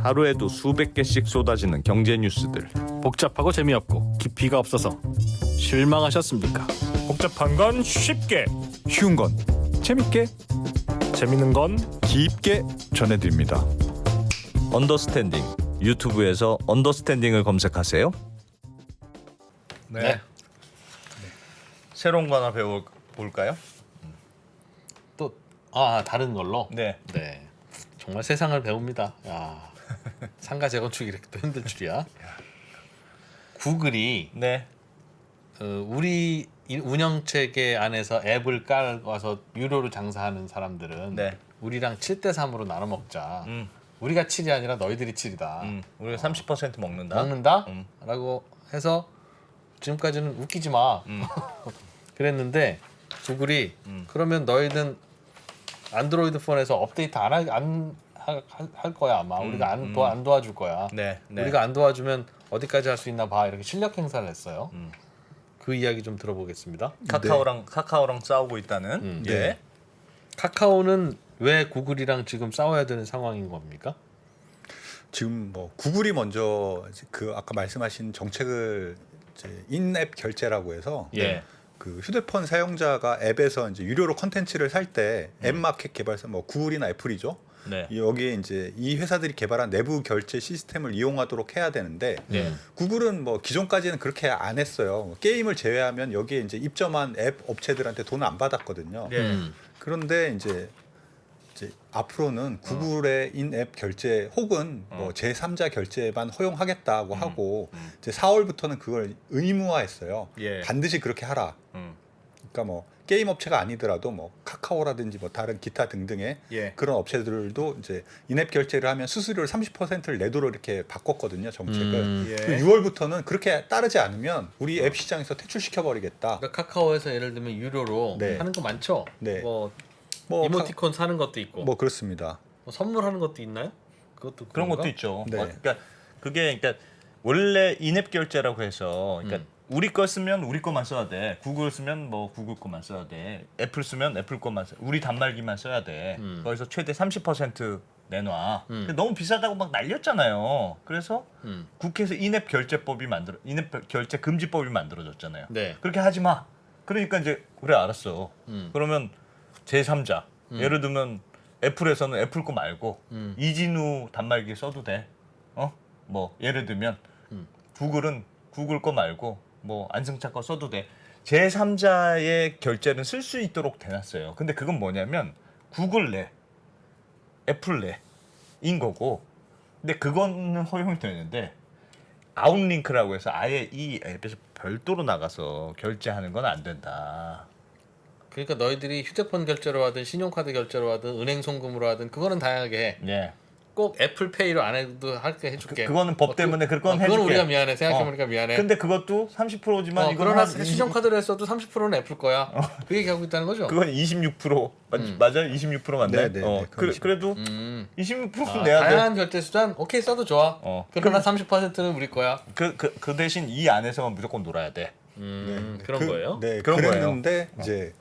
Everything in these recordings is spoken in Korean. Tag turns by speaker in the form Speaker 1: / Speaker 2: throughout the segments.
Speaker 1: 하루에도 수백 개씩 쏟아지는 경제 뉴스들.
Speaker 2: 복잡하고 재미없고 깊이가 없어서 실망하셨습니까?
Speaker 3: 복잡한 건 쉽게,
Speaker 4: 쉬운 건 재밌게
Speaker 3: 재밌는 건
Speaker 4: 깊게 전해드립니다.
Speaker 1: 언더스탠딩. 유튜브에서 언더스탠딩을 검색하세요.
Speaker 2: 네.
Speaker 1: 새로운 거 하나 배워볼까요?
Speaker 2: 또 다른 걸로.
Speaker 1: 네.
Speaker 2: 네. 정말 세상을 배웁니다. 야, 상가 재건축이 이렇게 또 힘들 줄이야. 구글이
Speaker 1: 네.
Speaker 2: 우리 운영 체계 안에서 앱을 깔아서 유료로 장사하는 사람들은
Speaker 1: 네.
Speaker 2: 우리랑 7대 3으로 나눠 먹자.
Speaker 1: 음.
Speaker 2: 우리가 7이 아니라 너희들이 7이다.
Speaker 1: 우리가 30% 먹는다.
Speaker 2: 먹는다?
Speaker 1: 음.
Speaker 2: 라고 해서 지금까지는 웃기지 마. 그랬는데 구글이 그러면 너희는 안드로이드 폰에서 업데이트 안 할 거야 아마. 우리가 안 도와줄 거야.
Speaker 1: 네.
Speaker 2: 우리가 안 도와주면 어디까지 할 수 있나 봐. 이렇게 실력 행사를 했어요. 그 이야기 좀 들어보겠습니다.
Speaker 1: 카카오랑 싸우고 있다는.
Speaker 4: 네.
Speaker 1: 예.
Speaker 2: 카카오는 왜 구글이랑 지금 싸워야 되는 상황인 겁니까?
Speaker 4: 지금 뭐 구글이 먼저 그 아까 말씀하신 정책을 이제 인앱 결제라고 해서
Speaker 1: 예.
Speaker 4: 그 휴대폰 사용자가 앱에서 이제 유료로 컨텐츠를 살 때 앱 마켓 개발사 뭐 구글이나 애플이죠.
Speaker 1: 네.
Speaker 4: 여기에 이제 이 회사들이 개발한 내부 결제 시스템을 이용하도록 해야 되는데
Speaker 1: 네.
Speaker 4: 구글은 뭐 기존까지는 그렇게 안 했어요. 게임을 제외하면 여기에 이제 입점한 앱 업체들한테 돈을 안 받았거든요.
Speaker 1: 네.
Speaker 4: 그런데 이제 앞으로는 구글의 인앱 결제 혹은 뭐 제3자 결제만 허용하겠다고 하고 이제 4월부터는 그걸 의무화했어요.
Speaker 1: 예.
Speaker 4: 반드시 그렇게 하라. 그러니까 뭐 게임 업체가 아니더라도 뭐 카카오라든지 뭐 다른 기타 등등의
Speaker 1: 예.
Speaker 4: 그런 업체들도 이제 인앱 결제를 하면 수수료를 30%를 내도록 이렇게 바꿨거든요, 정책을.
Speaker 1: 예.
Speaker 4: 6월부터는 그렇게 따르지 않으면 우리 앱 시장에서 퇴출시켜 버리겠다.
Speaker 2: 그러니까 카카오에서 예를 들면 유료로
Speaker 4: 네.
Speaker 2: 하는 거 많죠.
Speaker 4: 네.
Speaker 2: 뭐
Speaker 4: 뭐
Speaker 2: 이모티콘 사는 것도 있고
Speaker 4: 뭐 그렇습니다.
Speaker 2: 뭐 선물하는 것도 있나요? 그것도
Speaker 1: 그런
Speaker 2: 그런가?
Speaker 1: 것도 있죠.
Speaker 4: 네.
Speaker 1: 그러니까 그러니까 원래 인앱 결제라고 해서 그러니까 우리 거 쓰면 우리 거만 써야 돼. 구글 쓰면 뭐 구글 거만 써야 돼. 애플 쓰면 애플 거만 써. 우리 단말기만 써야 돼. 거기서 최대 30% 내놔. 근데 너무 비싸다고 막 날렸잖아요. 그래서 국회에서 인앱 결제 금지법이 만들어졌잖아요.
Speaker 2: 네.
Speaker 1: 그렇게 하지 마. 그러니까 이제 그래 알았어. 그러면 제3자 예를 들면 애플에서는 애플 거 말고 이진우 단말기 써도 돼. 뭐 예를 들면 구글은 구글 거 말고 뭐 안승찬 거 써도 돼. 제3자의 결제는 쓸 수 있도록 돼놨어요. 근데 그건 뭐냐면 구글 내, 애플 내인 거고. 근데 그거는 허용이 되는데 아웃링크라고 해서 아예 이 앱에서 별도로 나가서 결제하는 건 안 된다.
Speaker 2: 그러니까 너희들이 휴대폰 결제로 하든 신용카드 결제로 하든 은행 송금으로 하든 그거는 다양하게 해.
Speaker 1: 예.
Speaker 2: 꼭 애플페이로 안 해도 할게 해줄게.
Speaker 1: 그거는 법 때문에 그건 해줄게.
Speaker 2: 그건 우리가 미안해. 생각해보니까 미안해.
Speaker 1: 근데 그것도 30%지만 이거는
Speaker 2: 그러나
Speaker 1: 한
Speaker 2: 신용카드로 했어도 30%는 애플 거야. 그 얘기하고 있다는 거죠.
Speaker 1: 그건 26% 맞아요? 26% 맞나요?
Speaker 4: 네, 네, 네,
Speaker 1: 그래도 26%는 내야 돼.
Speaker 2: 다양한 결제 수단 오케이 써도 좋아. 그러나 30%는 우리 거야.
Speaker 1: 그 대신 이 안에서만 무조건 놀아야 돼.
Speaker 2: 그런 거예요?
Speaker 4: 네,
Speaker 1: 그런
Speaker 4: 그랬는데 이제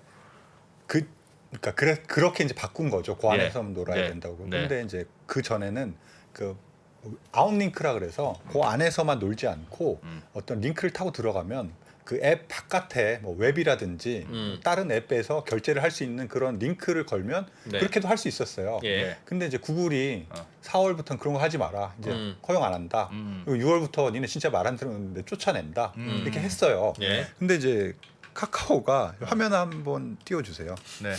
Speaker 4: 그러니까 그렇게 이제 바꾼 거죠. 그 안에서 놀아야
Speaker 2: 네.
Speaker 4: 된다고.
Speaker 2: 네.
Speaker 4: 근데 이제 그 전에는 그 아웃링크라 그래서 그 안에서만 놀지 않고 어떤 링크를 타고 들어가면 그 앱 바깥에 뭐 웹이라든지 다른 앱에서 결제를 할 수 있는 그런 링크를 걸면
Speaker 2: 네.
Speaker 4: 그렇게도 할 수 있었어요.
Speaker 2: 예.
Speaker 4: 근데 이제 구글이 4월부터는 그런 거 하지 마라. 이제 허용 안 한다. 그리고 6월부터 니네 진짜 말 안 들었는데 쫓아낸다. 이렇게 했어요.
Speaker 2: 예.
Speaker 4: 근데 이제 카카오가 화면 한번 띄워주세요.
Speaker 1: 네.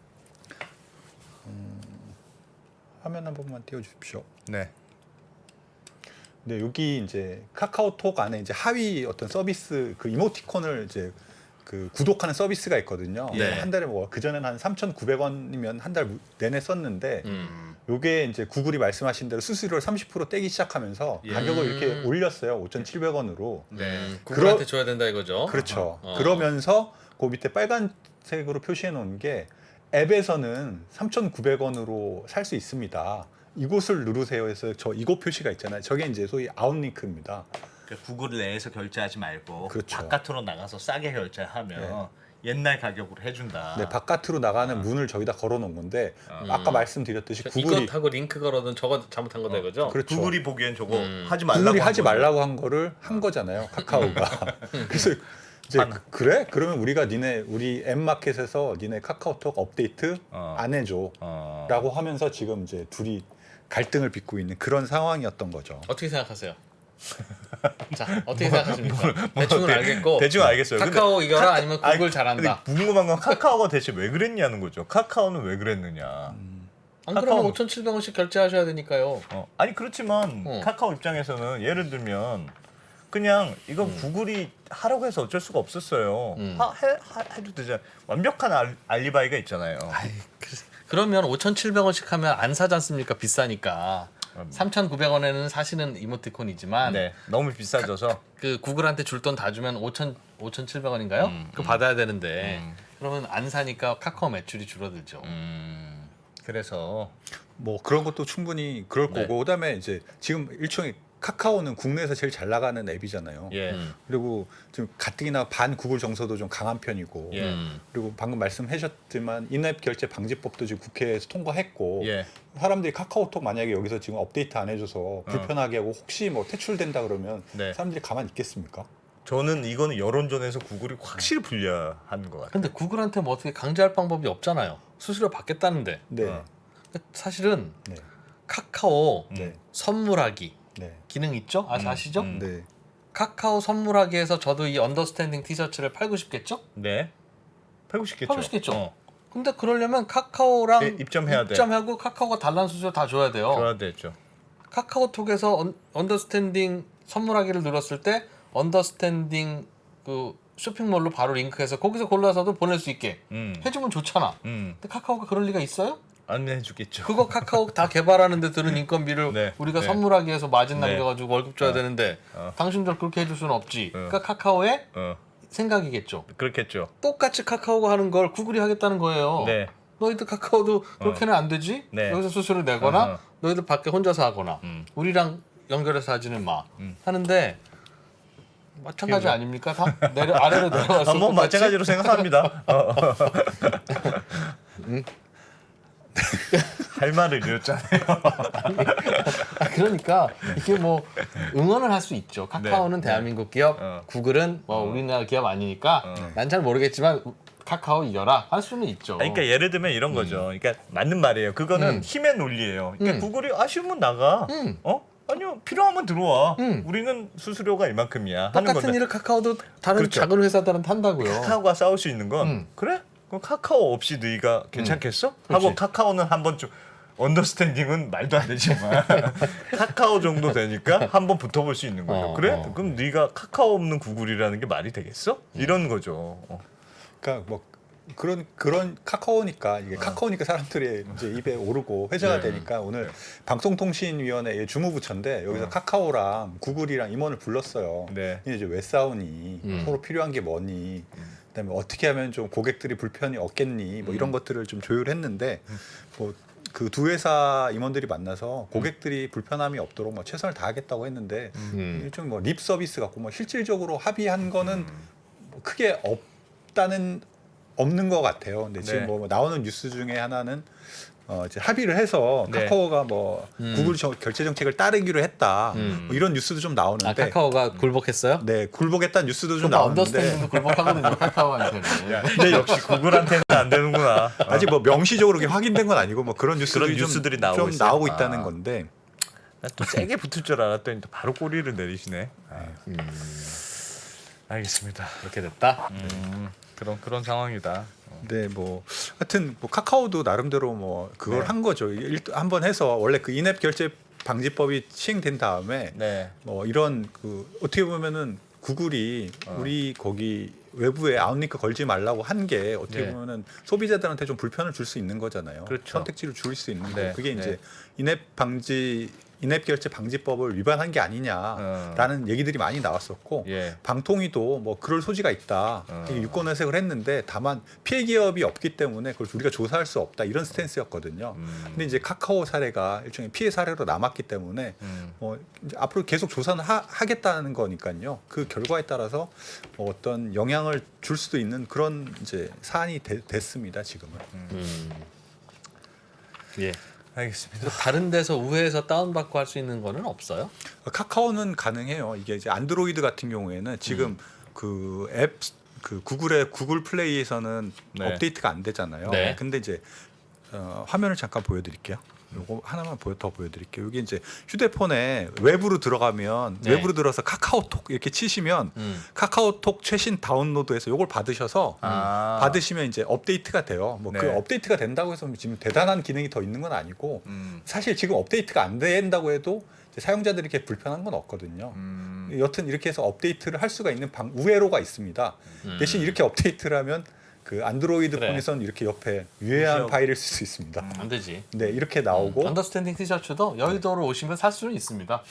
Speaker 4: 화면 한 번만 띄워주십시오.
Speaker 1: 네.
Speaker 4: 네, 여기 이제 카카오톡 안에 이제 하위 어떤 서비스 그 이모티콘을 이제 그 구독하는 서비스가 있거든요.
Speaker 2: 네.
Speaker 4: 한 달에 뭐 그전에는 한 3,900원이면 한 달 내내 썼는데 요게 이제 구글이 말씀하신 대로 수수료를 30% 떼기 시작하면서 가격을 이렇게 올렸어요. 5,700원으로.
Speaker 2: 네. 구글한테 줘야 된다 이거죠.
Speaker 4: 그렇죠. 그러면서 그 밑에 빨간색으로 표시해 놓은 게 앱에서는 3,900원으로 살 수 있습니다. 이곳을 누르세요 해서 저 이곳 표시가 있잖아요. 저게 이제 소위 아웃링크입니다.
Speaker 1: 구글 내에서 결제하지 말고
Speaker 4: 그렇죠.
Speaker 1: 바깥으로 나가서 싸게 결제하면 옛날 가격으로 해준다.
Speaker 4: 네, 바깥으로 나가는 문을 저기다 걸어놓은 건데 아까 말씀드렸듯이 구글이
Speaker 2: 이것하고 링크 걸어둔 저거 잘못한 거다 이거죠?
Speaker 4: 그렇죠.
Speaker 1: 구글이 보기엔 저거 하지 말라고
Speaker 4: 구글이
Speaker 1: 한
Speaker 4: 하지
Speaker 1: 거죠.
Speaker 4: 말라고 한 거를 한 거잖아요. 카카오가. 그래서 이제 그래? 그러면 우리가 우리 앱마켓에서 니네 카카오톡 업데이트 안 해줘. 라고 하면서 지금 이제 둘이 갈등을 빚고 있는 그런 상황이었던 거죠.
Speaker 2: 어떻게 생각하세요? 자, 어떻게 생각하십니까? 대충은 알겠고
Speaker 1: 대충 알겠어요.
Speaker 2: 카카오
Speaker 1: 근데
Speaker 2: 이겨라 아니면 구글 잘한다.
Speaker 1: 근데 궁금한 건 카카오가 대체 왜 그랬냐는 거죠. 카카오는 왜 그랬느냐.
Speaker 2: 안 그러면
Speaker 1: 카카오-
Speaker 2: 5,700원씩 결제하셔야 되니까요.
Speaker 1: 아니 그렇지만
Speaker 2: 어.
Speaker 1: 카카오 입장에서는 예를 들면 그냥 이건 구글이 하라고 해서 어쩔 수가 없었어요. 해도 되잖아요. 완벽한 알리바이가 있잖아요.
Speaker 2: 그러면 5,700원씩 하면 안 사지 않습니까? 비싸니까. 3,900원에는 사시는 이모티콘이지만
Speaker 1: 네, 너무 비싸져서
Speaker 2: 그 구글한테 줄 돈 다 주면 5,700원인가요? 그거 받아야 되는데 그러면 안 사니까 카카오 매출이 줄어들죠.
Speaker 1: 그래서
Speaker 4: 뭐 그런 것도 충분히 그럴
Speaker 2: 네.
Speaker 4: 거고 그다음에 이제 지금 일종의 카카오는 국내에서 제일 잘 나가는 앱이잖아요.
Speaker 1: 예,
Speaker 4: 그리고 지금 가뜩이나 반 구글 정서도 좀 강한 편이고
Speaker 1: 예.
Speaker 4: 그리고 방금 말씀하셨지만 인앱 결제 방지법도 지금 국회에서 통과했고
Speaker 1: 예.
Speaker 4: 사람들이 카카오톡 만약에 여기서 지금 업데이트 안 해줘서 불편하게 하고 혹시 뭐 퇴출된다 그러면
Speaker 1: 네.
Speaker 4: 사람들이 가만히 있겠습니까?
Speaker 1: 저는 이거는 여론전에서 구글이 확실히 불리한 것 같아요.
Speaker 2: 근데 구글한테 뭐 어떻게 강제할 방법이 없잖아요. 수수료 받겠다는데.
Speaker 4: 네,
Speaker 2: 사실은
Speaker 4: 네,
Speaker 2: 카카오
Speaker 4: 네,
Speaker 2: 선물하기
Speaker 4: 네,
Speaker 2: 기능 있죠? 아시죠?
Speaker 4: 네.
Speaker 2: 카카오 선물하기에서 저도 이 언더스탠딩 티셔츠를 팔고 싶겠죠?
Speaker 1: 네, 팔고 싶겠죠.
Speaker 2: 팔고 싶겠죠.
Speaker 1: 어,
Speaker 2: 근데 그러려면 카카오랑
Speaker 1: 네, 입점해야 돼.
Speaker 2: 입점하고 카카오가 달란 수수료 다 줘야 돼요.
Speaker 1: 줘야 되죠.
Speaker 2: 카카오톡에서 언더스탠딩 선물하기를 눌렀을 때 언더스탠딩 그 쇼핑몰로 바로 링크해서 거기서 골라서도 보낼 수 있게 해주면 좋잖아. 근데 카카오가 그럴 리가 있어요?
Speaker 1: 안 해주겠죠.
Speaker 2: 그거 카카오 다 개발하는데 드는 인건비를
Speaker 1: 네,
Speaker 2: 우리가
Speaker 1: 네.
Speaker 2: 선물하기 위해서 마진
Speaker 1: 네.
Speaker 2: 남겨가지고 월급 줘야 되는데 당신들 그렇게 해줄 수는 없지. 그러니까 카카오의 생각이겠죠.
Speaker 1: 그렇겠죠.
Speaker 2: 똑같이 카카오가 하는 걸 구글이 하겠다는 거예요.
Speaker 1: 네,
Speaker 2: 너희들 카카오도 그렇게는 안 되지?
Speaker 1: 네.
Speaker 2: 여기서 수수료를 내거나
Speaker 1: 어허.
Speaker 2: 너희들 밖에 혼자서 하거나 우리랑 연결해서 하지는 마 하는데 마찬가지 아닙니까? 다 아래로 내려와서
Speaker 1: 뭐
Speaker 2: 똑같이?
Speaker 1: 마찬가지로 생각합니다. 할 말을 잃었잖아요.
Speaker 2: 그러니까 이게 뭐 응원을 할 수 있죠. 카카오는
Speaker 1: 네.
Speaker 2: 대한민국 기업, 구글은 뭐 우리나라 기업 아니니까 난 잘 모르겠지만 카카오 이겨라 할 수는 있죠.
Speaker 1: 아니, 그러니까 예를 들면 이런 거죠. 그러니까 맞는 말이에요. 그거는 힘의 논리예요. 그러니까 구글이 아쉬우면 나가. 아니요, 필요하면 들어와. 우리는 수수료가 이만큼이야. 하는
Speaker 2: 똑같은
Speaker 1: 건데
Speaker 2: 일을 카카오도 다른
Speaker 1: 그렇죠.
Speaker 2: 작은 회사들은 한다고요.
Speaker 1: 카카오가 싸울 수 있는 건 그래? 그럼 카카오 없이 너희가 괜찮겠어? 하고
Speaker 2: 그렇지.
Speaker 1: 카카오는 한번 좀 언더스탠딩은 말도 안 되지만 카카오 정도 되니까 한번 붙어볼 수 있는 거죠. 그래? 그럼 네가 카카오 없는 구글이라는 게 말이 되겠어? 이런 거죠.
Speaker 4: 그러니까 뭐 그런 카카오니까 이게 카카오니까 사람들이 이제 입에 오르고 회자가 되니까 오늘 방송통신위원회 주무부처인데 여기서 카카오랑 구글이랑 임원을 불렀어요.
Speaker 1: 네.
Speaker 4: 근데 이제 왜 싸우니? 서로 필요한 게 뭐니? 그다음에 어떻게 하면 좀 고객들이 불편이 없겠니? 뭐 이런 것들을 좀 조율했는데 뭐 그 두 회사 임원들이 만나서 고객들이 불편함이 없도록 뭐 최선을 다하겠다고 했는데 일종 뭐 립 서비스 같고 뭐 실질적으로 합의한 거는 뭐 크게 없는 것 같아요. 근데 지금
Speaker 1: 네.
Speaker 4: 뭐 나오는 뉴스 중에 하나는 이제 합의를 해서
Speaker 1: 네.
Speaker 4: 카카오가 뭐 구글 결제 정책을 따르기로 했다. 뭐 이런 뉴스도 좀 나오는데.
Speaker 2: 아 카카오가 굴복했어요?
Speaker 4: 네, 굴복했다는 뉴스도 좀
Speaker 2: 그러니까
Speaker 4: 나오는데
Speaker 2: 언더스탠딩도 굴복하거든요. 카카오한테는.
Speaker 1: 근데 역시 구글한테는 안 되는구나.
Speaker 4: 아직 뭐 명시적으로 그게 확인된 건 아니고 뭐 그런
Speaker 1: 그런
Speaker 4: 뉴스들이
Speaker 1: 뉴스들이
Speaker 4: 좀
Speaker 1: 나오고 있어요.
Speaker 4: 나오고
Speaker 1: 아.
Speaker 4: 있다는 건데.
Speaker 1: 또 세게 붙을 줄 알았더니 또 바로 꼬리를 내리시네. 알겠습니다.
Speaker 2: 이렇게 됐다.
Speaker 1: 그런 상황이다.
Speaker 4: 네, 뭐 하여튼 뭐 카카오도 나름대로 뭐 그걸 한 거죠. 한번 해서 원래 그 인앱 결제 방지법이 시행된 다음에
Speaker 1: 네.
Speaker 4: 뭐 이런 그 어떻게 보면은 구글이 우리 거기 외부에 아웃링크 걸지 말라고 한 게 어떻게
Speaker 1: 네.
Speaker 4: 보면은 소비자들한테 좀 불편을 줄 수 있는 거잖아요.
Speaker 1: 그렇죠.
Speaker 4: 선택지를 줄 수 있는
Speaker 1: 네,
Speaker 4: 거. 그게
Speaker 1: 네.
Speaker 4: 이제 인앱 방지 인앱 결제 방지법을 위반한 게 아니냐라는 얘기들이 많이 나왔었고
Speaker 1: 예.
Speaker 4: 방통위도 뭐 그럴 소지가 있다 이게 유권 해석을 했는데 다만 피해 기업이 없기 때문에 그걸 우리가 조사할 수 없다 이런 스탠스였거든요. 근데 이제 카카오 사례가 일종의 피해 사례로 남았기 때문에 이제 앞으로 계속 조사는 하겠다는 거니까요. 그 결과에 따라서 어떤 영향을 줄 수도 있는 그런 이제 사안이 됐습니다. 지금은.
Speaker 2: 예.
Speaker 1: 알겠습니다.
Speaker 2: 다른 데서 우회해서 다운받고 할 수 있는 거는 없어요?
Speaker 4: 카카오는 가능해요. 이게 이제 안드로이드 같은 경우에는 지금 그 앱 그 구글의 구글 플레이에서는
Speaker 1: 네.
Speaker 4: 업데이트가 안 되잖아요.
Speaker 2: 네.
Speaker 4: 근데 이제 화면을 잠깐 보여드릴게요. 요거 하나만 더 보여드릴게요. 여기 이제 휴대폰에 웹으로 들어가면
Speaker 2: 네.
Speaker 4: 웹으로 들어서 카카오톡 이렇게 치시면 카카오톡 최신 다운로드해서 요걸 받으셔서 받으시면 이제 업데이트가 돼요. 뭐 그
Speaker 1: 네.
Speaker 4: 업데이트가 된다고 해서 지금 대단한 기능이 더 있는 건 아니고 사실 지금 업데이트가 안 된다고 해도 이제 사용자들이 이렇게 불편한 건 없거든요. 여튼 이렇게 해서 업데이트를 할 수가 있는 우회로가 있습니다. 대신 이렇게 업데이트를 하면 그 안드로이드
Speaker 2: 그래.
Speaker 4: 폰에서는 이렇게 옆에 유해한
Speaker 1: 무시하고.
Speaker 4: 파일을 쓸 수 있습니다.
Speaker 2: 안 되지.
Speaker 4: 네, 이렇게 나오고
Speaker 2: 언더스탠딩 티셔츠도 여의도로 오시면 살 수는 있습니다.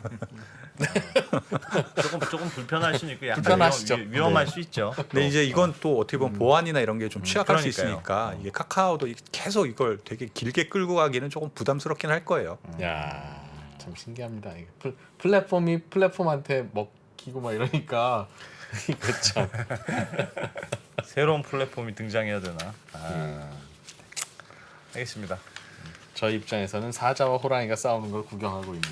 Speaker 1: 조금 불편하시니까 약간
Speaker 2: 불편하시죠.
Speaker 1: 위험할 수 있죠.
Speaker 4: 근데 이제 이건 또 어떻게 보면 보안이나 이런 게 좀 취약할 수
Speaker 1: 그러니까요.
Speaker 4: 있으니까 이게 카카오도 계속 이걸 되게 길게 끌고 가기는 조금 부담스럽긴 할 거예요.
Speaker 2: 야, 참 신기합니다. 이게 플랫폼이 플랫폼한테 먹히고 막 이러니까 이거 참.
Speaker 1: 새로운 플랫폼이 등장해야 되나? 알겠습니다.
Speaker 2: 저희 입장에서는 사자와 호랑이가 싸우는 걸 구경하고 있는.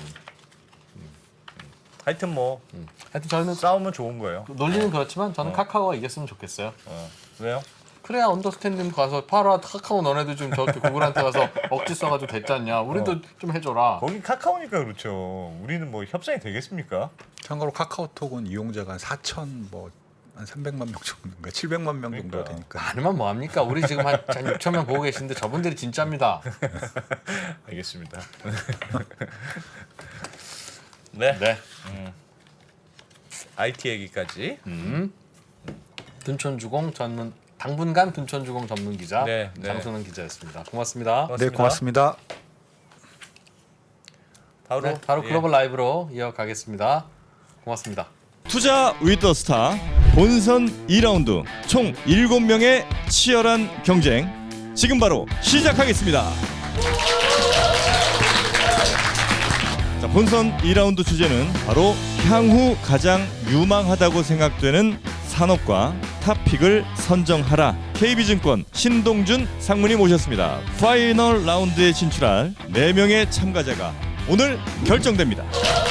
Speaker 1: 하여튼 뭐
Speaker 2: 하여튼 저는
Speaker 1: 싸우면 좋은 거예요.
Speaker 2: 논리는 그렇지만 저는 카카오가 이겼으면 좋겠어요.
Speaker 1: 왜요?
Speaker 2: 그래야 언더스탠딩 가서 팔아 카카오 너네도 좀 저렇게 구글한테 가서 억지 써가지고 됐잖냐. 우리도 좀 해줘라.
Speaker 1: 거기 카카오니까 그렇죠. 우리는 뭐 협상이 되겠습니까?
Speaker 4: 참고로 카카오톡은 이용자가 한 4천 한 300만 명 정도인가 700만 명 정도
Speaker 1: 그러니까.
Speaker 4: 되니까.
Speaker 2: 많으면 뭐 합니까? 우리 지금 한 6천 명 보고 계신데 저분들이 진짜입니다.
Speaker 1: 알겠습니다. 네.
Speaker 2: 네.
Speaker 1: IT 얘기까지.
Speaker 2: 둔촌주공 전문 당분간 둔촌주공 전문 기자
Speaker 1: 네, 네.
Speaker 2: 장순원 기자였습니다. 고맙습니다.
Speaker 4: 네, 고맙습니다.
Speaker 1: 바로
Speaker 2: 네, 바로
Speaker 1: 예.
Speaker 2: 글로벌 라이브로 이어가겠습니다. 고맙습니다.
Speaker 5: 투자 위더스타 본선 2라운드 총 7명의 치열한 경쟁 지금 바로 시작하겠습니다. 자, 본선 2라운드 주제는 바로 향후 가장 유망하다고 생각되는 산업과 탑픽을 선정하라. KB증권 신동준 상무님 모셨습니다. 파이널 라운드에 진출할 4명의 참가자가 오늘 결정됩니다.